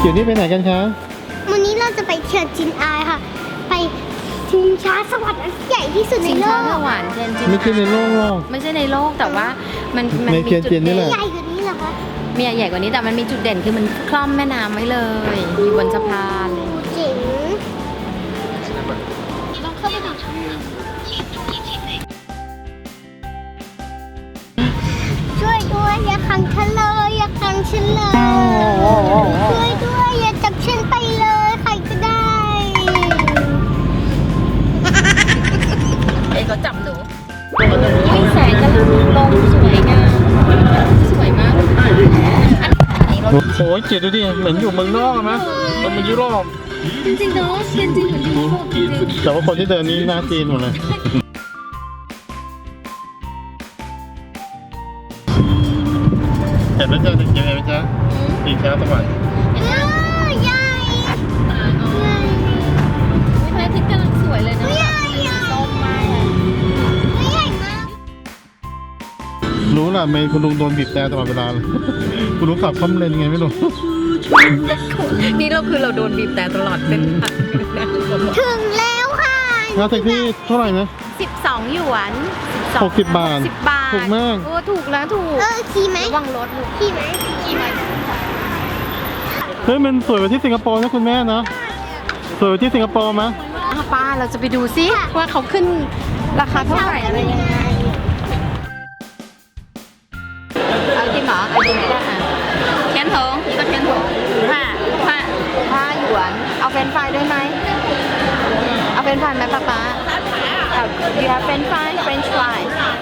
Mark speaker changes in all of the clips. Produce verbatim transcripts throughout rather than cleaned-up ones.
Speaker 1: ดี๋ยวนี้ไปไหนกันคะ
Speaker 2: วันนี้เราจะไปเชียงจินอายค่ะ ไปชิงช้าสวรรค์อันใหญ่ที่สุดใน
Speaker 3: ชิง
Speaker 2: โล
Speaker 3: ช้าก สวรรค์เทียนจิน
Speaker 1: ไม่ใช่ในโลกหรอก
Speaker 3: ไม่ใช่ในโลกแต่ว่ามันมัน
Speaker 1: ใน
Speaker 3: มี
Speaker 1: เทียน
Speaker 3: จุด
Speaker 1: จินนี่
Speaker 3: เด่
Speaker 1: แห
Speaker 3: น
Speaker 1: ละ
Speaker 2: ใหญ่กว่านี้เหรอคะ
Speaker 3: มีใหญ่กว่านี้แต่มันมีจุดเด่นคือมันคล่อมแม่น้ำไว้เลยอยู่บนสะพานเลย
Speaker 2: เจ๋งลองเข้าไปดูช่วยด้วยอย่าขังฉันเลยอย่าขังฉันเลยช่วยด้วยอย่าจับฉันไปเลยใครก็ได้
Speaker 3: เอ้เขาจับหนูอุ้ยแสงกำลังลงสวยงามสวยมากอันนี้รถ
Speaker 1: โอ้ยเจ็ดดูดิเหมือนอยู่เมืองนอกไหมมันเป็นยุโรป
Speaker 3: จริงๆเนาะเทียนจินเหมือนอยู่ยุโรปจริง
Speaker 1: แต่ว่าคนที่เดินนี่หน้าจีนหมดเลยเห็นไหมจ๊ะเด็กยังไงไหมจ๊ะอีกช้าสวรรค์
Speaker 2: เออใหญ่
Speaker 3: ๆพระอาทิตย์กำลังสวยเลยนะ
Speaker 2: ใหญ่ใหญ่
Speaker 3: ส้มมากเลย
Speaker 2: ใหญ่มาก
Speaker 1: รู้ล่ะเมย์คุณลุงโดนบีบแต่ตลอดเวลาเลยคุณลุงขับคล่อมเลนไงไม่รู้
Speaker 3: นี่เราคือเราโดนบีบแต่ตลอดเป็นทาง
Speaker 2: ถึงแล้วค่ะ
Speaker 1: ค่าแท็กซี่เท่าไหร่นะ
Speaker 3: สิบสองหยวน
Speaker 1: หกสิบบาท
Speaker 3: สิบบาท
Speaker 1: ถูกมาก
Speaker 3: โอ้ถูกแล้วถูก
Speaker 2: เออขี่ไหม
Speaker 3: ระวังรถลูก
Speaker 2: ขี่ไหมขี่ไหม
Speaker 1: เฮ้ยมันสวยกว่าที่สิงคโปร์นะคุณแม่นะสวยกว่าที่สิงคโปร์ไหม
Speaker 3: อ่ะป้าเราจะไปดูซิว่าเขาขึ้นราคาเท่าไหร่อะไรยังไงเอาจริงเหรอเอาจริงไม่ได้อ่ะเทียนถงนี่ก็เทียนถงห้าห้าห้าหยวนเอาเฟรนช์ฟรายด้วยไหมเอาเฟรนช์ฟรายไหมป้าป้าเอาดีค่ะเฟรนช์ฟรายเฟรนช์ฟราย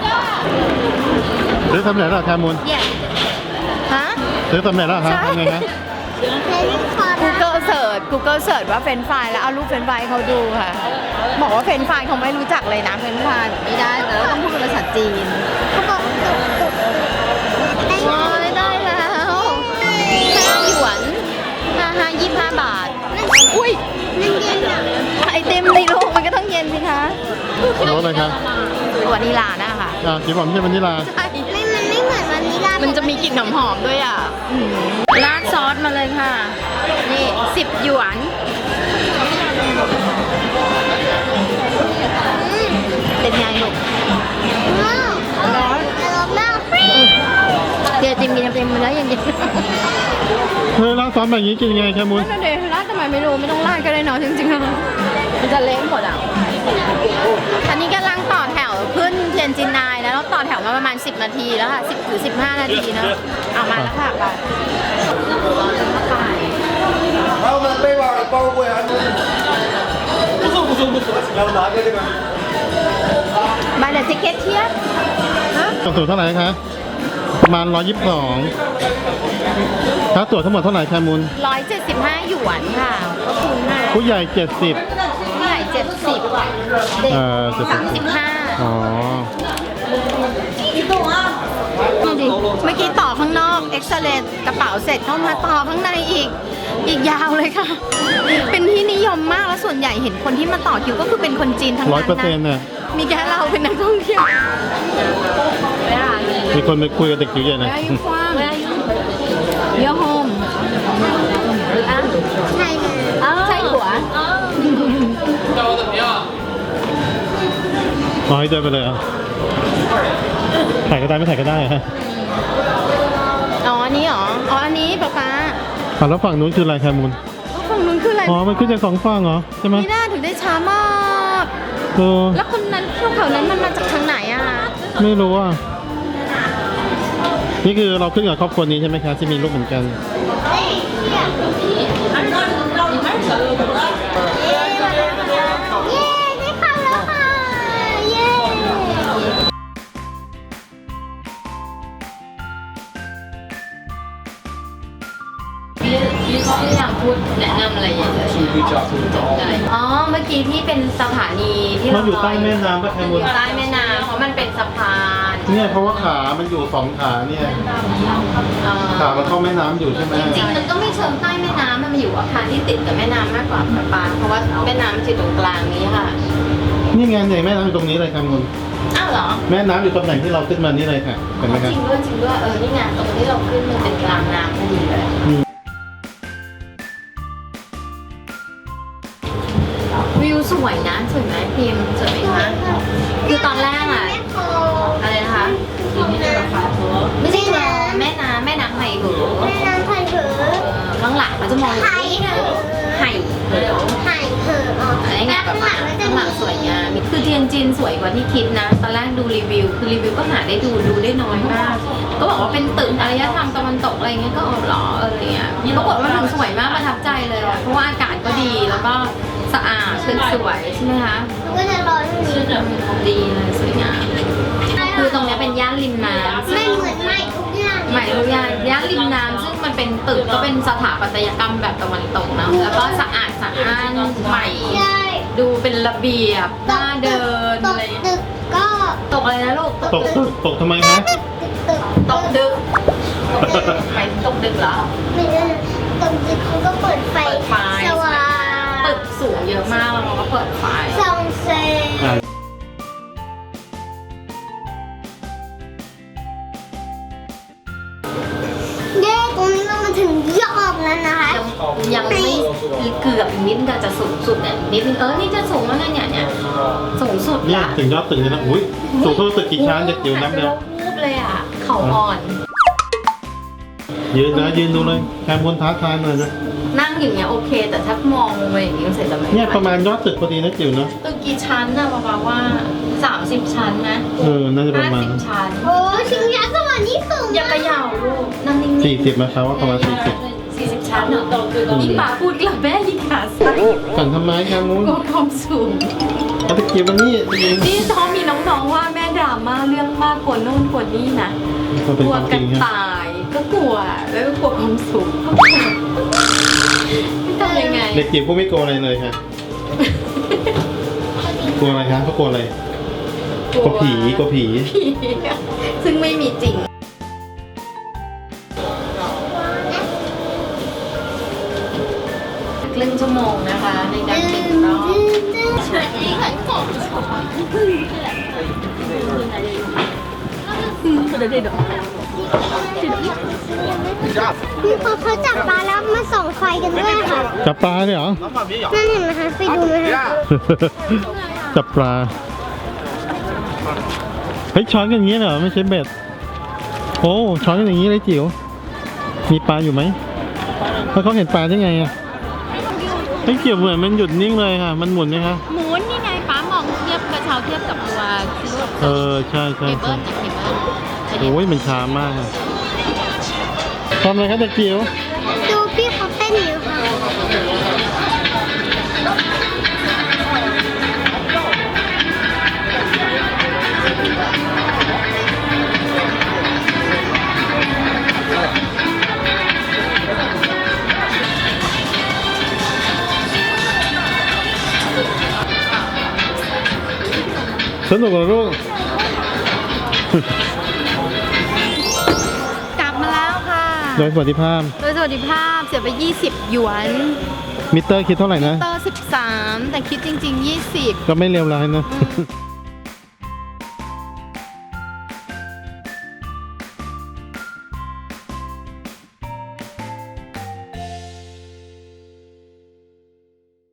Speaker 1: ซื้อสำเร็จแล้วเหรอแคมูล
Speaker 3: เย่ฮะ
Speaker 1: ซื้อสำเร็จแล้วเหรอครับทำไงนะ
Speaker 2: เล่นคอร์
Speaker 3: Google Search Google Search ว่าเฟรนช์ฟรายแล้วเอารูปเฟรนช์ฟรายเขาดูค่ะบอกว่าเฟรนช์ฟรายเขาไม่รู้จักเลยนะเฟรนช์ฟรายไม่ได้แต่เราต้องพูดเป็นภาษาจีน
Speaker 2: เขาบอกตุกตุกได้
Speaker 3: ว้ายได้แล้วห้าหยวนห้าห้ายี่สิบห้าบาท อุ้ย
Speaker 2: นั่นเย็นอ่ะ
Speaker 3: ไอเต็มในโลกมันก็ต้องเย็นสิคะ
Speaker 1: รถอะไรครับ
Speaker 3: วานิลานะคะ
Speaker 1: อ่าจีบผมไม่ใช่วานิลา
Speaker 3: ใช่
Speaker 2: ไม่มันไม่เหมือนวานิลา
Speaker 3: มันจะมีกลิ่นหอมๆด้วยอ่ะราดซอสมาเลยค่ะ นี่สิบหยวน เป็นไงลูก
Speaker 2: ว้าวอร่อยอร่อยมาก
Speaker 3: เดี๋ยวจิมกินเต็มแล้วยังกิน
Speaker 1: เฮ้ยร้านซ้อมแบบนี้กินยังไงแคมูล
Speaker 3: นั่นเดี๋ยวราดทำไมไม่รู้ไม่ต้องราดก็ได้เนาะจริงๆแล้วมันจะเละหมดอ่ะอันนี้กำลังต่อแถวขึ้นเทียนจินนายแล้วเราต่อแถวมาประมาณสิบนาทีแล้วค่ะสิบหรือสิบห้านาทีเนาะเอามาแล้วค่ะไปรอจนเข้าไป
Speaker 4: 还有我们背包的包裹呀。不送不送不送，要拿个这个。
Speaker 3: มาเดี๋ยวทิเก็ตเทียบ
Speaker 1: ตั๋วสูงเท่าไหร่คะประมาณร้อยยี่สิบสองค่าตั๋วทั้งหมดเท่าไหร่แคมูล
Speaker 3: ร้อยเจ็ดสิบห้าหยวนค่ะก็คูณห้า
Speaker 1: ผู้ใหญ่เจ็ดสิบ
Speaker 3: ผู้ใหญ่เจ็ดสิบเด็ก
Speaker 1: เออเจ็ดสิบ
Speaker 3: สามสิบห้า
Speaker 1: อ๋อ
Speaker 3: ดูดิเมื่อกี้ต่อข้างนอกเอ็กซเรย์กระเป๋าเสร็จเข้ามาต่อข้างในอีก อีกยาวเลยค่ะ เป็นที่นิยมมากแล้วส่วนใหญ่เห็นคนที่มาต่อคิวก็คือเป็นคนจีนทั้ง
Speaker 1: ร้อย
Speaker 3: นั้น
Speaker 1: เปอร์เซ็นต์
Speaker 3: นะ
Speaker 1: เนี่ย
Speaker 3: มีแค่เราเป็นนักท่องเที่ยว
Speaker 1: มีคนไปคุยกับเด็กจิ๋วใหญ่เลย
Speaker 3: Where are you from? Where are you? Your home. อ่ะ
Speaker 2: ใช่เลย
Speaker 3: ใช่หัว
Speaker 1: อ๋อให้เดินไปเลยเหรอ่ะถ่ายก็ได้ไม่ถ่ายก็ได้ฮะ
Speaker 3: อ๋ออันนี้เหรอ อ๋ออันนี้ป๊าป๊า
Speaker 1: อ่ะแล้วฝั่งนู้นคืออะไรแคมูล
Speaker 3: ฝั่งนู้นคืออะไร
Speaker 1: อ๋อมันขึ้นจากสองฝั่งเหรอใช่ไหม
Speaker 3: นี่น่าถึงได้ช้ามาก
Speaker 1: เออ
Speaker 3: แล้วคนนั้นพวกแถวนั้นมันมาจากทางไหนอ่ะ
Speaker 1: ไม่รู้อ่ะนี่คือเราขึ้นกับครอบครัวนี้ใช่ไหมคะที่มีลูกเหมือนกัน
Speaker 2: เย้ได้เข้าแล้วค่ะ เย้
Speaker 3: อยากพูดแนะนำอะไรอย่างเงี้ยอ๋อ เมื่อกี้ที่เป็นสถานีที่
Speaker 1: มันอยู่ใต้แม่น้ำปะแคมูล
Speaker 3: ใต้แม่น้ำเพราะมันเป็นสะพาน
Speaker 1: เนี่ยเพราะว่าขามันอยู่สองขาเนี่ย
Speaker 3: เอ่อ
Speaker 1: ขามันเข้าแม่น้ำอยู่ใช่ไหม
Speaker 3: จริงๆมันก็ไม่เชิงใต้แม่น้ำมันมาอยู่อาคารที่ติดกับแม่น้ำมากกว่าปะปาเพราะว่าแม่น้ำมันอยู่ตรงกลางนี้ค่ะ
Speaker 1: นี่ไงเนี่ยแม่น้ำอยู่ตรงนี้เลยแคมูล
Speaker 3: อ้าวเหรอ
Speaker 1: แม่น้ำอยู่ตำแหน่งที่เราขึ้นมานี่เลยค่ะเห็นไหมครับ
Speaker 3: จริงด้วยจริงด้วยเออนี่ไงตรงที่เราขึ้นมันเป็นกลางน้ำพอดีเลยวยนะสวยไหมพิมพ์สวยไหมคะคือตอนแรกอะอะไรนะคะไม่ใช่คลองแม่น้ำแม่น้ำไหเหอ
Speaker 2: แม่น้ำไผ่เหอ
Speaker 3: เออข้างหลังเขาจะมอง
Speaker 2: ไผ่เหอ
Speaker 3: ไห่เหอ
Speaker 2: ไผ่เหออ๋อ
Speaker 3: อะไรเงี้ยแบบ
Speaker 2: ข้างหลังก็จะ
Speaker 3: ข้างห
Speaker 2: มี
Speaker 3: ลังสวยงามคือเทียนจินสวยกว่าที่คิดนะ ตอนแรกดูรีวิว คือรีวิวก็หาได้ดูดูได้น้อยมาก ก็บอกว่าเป็นตึกอารยธรรมตะวันตกอะไรเงี้ยก็เออหรอเอออะไรเงี้ยปรากฏว่ามันสวยมากประทับใจเลยอะเพราะว่าอากาศก็ดีแล้วก็สะอาดตึกสวยใช่ไหมคะ
Speaker 2: ก็จะร้อนนี้
Speaker 3: ดีเลยสวยงามคือตรงเนี้ยเป็นย่านริมน้ำ
Speaker 2: ไม่เหมือนใหม่ทุกอย่าง
Speaker 3: ใหม่ทุกอย่างย่านริมน้ำซึ่งมันเป็นตึกก็เป็นสถาปัตยกรรมแบบตะวันตกนะแล้วก็สะอาดสะอ้านใหม่
Speaker 2: ใช่
Speaker 3: ดูเป็นระเบียบน่าเดิน
Speaker 2: ต
Speaker 3: อะ
Speaker 2: ก
Speaker 3: ไรเงี้ย
Speaker 2: ตึกก็
Speaker 3: ตกอะไรนะลูก
Speaker 1: ตกตกตกทำไมคะ
Speaker 2: ตึกตึก
Speaker 3: ตกดึกไปตกดึกเหรอ
Speaker 2: ไม่ใช่ตกตึกเขาก็เปิดไฟ
Speaker 3: เปิดไฟ
Speaker 2: สว่าง
Speaker 3: ตึกสูงเยอะมากแล้วเราก็เปิดไฟ
Speaker 2: ส่องแสง
Speaker 1: อ่า
Speaker 2: เย้ตรงนี้เรามาถึงยอดแล้วนะคะ
Speaker 3: ยังไม่เกือบอีกนิดก็จะสูงสุดเนี่ยนิดนึงเออนี่จะสูงแล้วเนี่ยเนี่ยสูงสุด
Speaker 1: เนี่ย
Speaker 3: ละ
Speaker 1: ถึงยอดตึกเลยนะอุ้ยสูงเท่าตึกกี่ชั้นจะจิ๋วน้ำเดียว
Speaker 3: วูบเลยอ่ะเขาอ่อน
Speaker 1: ยืนนะยืนดูเลยแคมบนท้าทายหน่อยนะ
Speaker 3: นั่งอย่างเงี้ยโอเค แต่ถ้ามองลงไปอย่างนี้มันเสร็จแล้วไหม
Speaker 1: เนี่ยประมาณยอดตึกพอดีนะจิ๋วเนาะ
Speaker 3: ตึกกี่ชั้นนะประมาณว่าสามสิบชั้นไหม
Speaker 1: เออน่าจะประ
Speaker 3: ห้า
Speaker 1: มาณ
Speaker 3: สิบชั้น
Speaker 2: โอ้ชิงช้าสวรรค์นี่สูง
Speaker 3: อย่าเขย่าลูกนั่งนิ่งๆ
Speaker 1: สี่สิบนะครับว่าประมาณสี่สิบ
Speaker 3: สี่สิบชั้นเหรอยิ่งป่าพูดกลับแม่ยิ่งขาสั่น
Speaker 1: สั่นทำไมแคมมูน
Speaker 3: กลัวความสูง
Speaker 1: เอาตะเกียบมานี่ตะเกียบ
Speaker 3: นี่ท้องมีน้องๆว่าแม่ดราม่าเรื่องมากกว่าโน่นกว่านี่นะ
Speaker 1: มัน
Speaker 3: ก
Speaker 1: เป็น
Speaker 3: ลั
Speaker 1: คว วามจ
Speaker 3: กั
Speaker 1: ริ
Speaker 3: น
Speaker 1: งครับ
Speaker 3: ตายก็กลัวแล้วก็กลัวความสูงก็กลัวทำยังไง
Speaker 1: เด็กจิ๋วก็ไม่กลัวอะไรเลยค่ะกลัวอะไรคะเขากลัวอะไรกลัวผีกลัวผี
Speaker 3: ผีซึ่งไม่มีจริงครึ่งชั่วโมงนะคะ ในการติดรอบช่วยที่ขายของ
Speaker 2: นี่พอเขาจับปลาแล้วมาส่องไฟกันด้วยค่ะ
Speaker 1: จับปลาเลยเหรอ
Speaker 2: นั่นเห็นไหมคะไปดูไหมคะ
Speaker 1: จับปลาเฮ้ยช้อนกันอย่างนี้เหรอไม่ใช่เบ็ดโอ้ช้อนกันอย่างนี้เลยจิ๋วมีปลาอยู่ไหมแล้วเขาเห็นปลาได้ไงอ่ะเฮ้ยจิ๋วเหมือนมันหยุดนิ่งเลยค่ะ มันหมุนไหมคะ
Speaker 3: หมุนนี่ไงป้ามองเทียบกระเช้าเทียบกับตัวคิโล
Speaker 1: เออใช่ใช่
Speaker 3: เคเบิ
Speaker 1: ใช่
Speaker 3: ลนะเคเบิล
Speaker 1: โอ้ยมันช้ามากอะทำอะไรครับเด็กจิ๋ว
Speaker 2: ดูพี่เขาเต้นอยู่ค่ะ
Speaker 1: สนุกเหรอลูก
Speaker 3: กลับมาแล้วค่ะ
Speaker 1: โดยสวัสดิภาพ
Speaker 3: โดยสวัสดิภาพเสียไปยี่สิบหยวน
Speaker 1: มิเตอร์คิดเท่าไหร่นะ
Speaker 3: เตอร์สิบสามแต่คิดจริงๆยี่สิบ
Speaker 1: ก็ไม่เลวร้ายนะ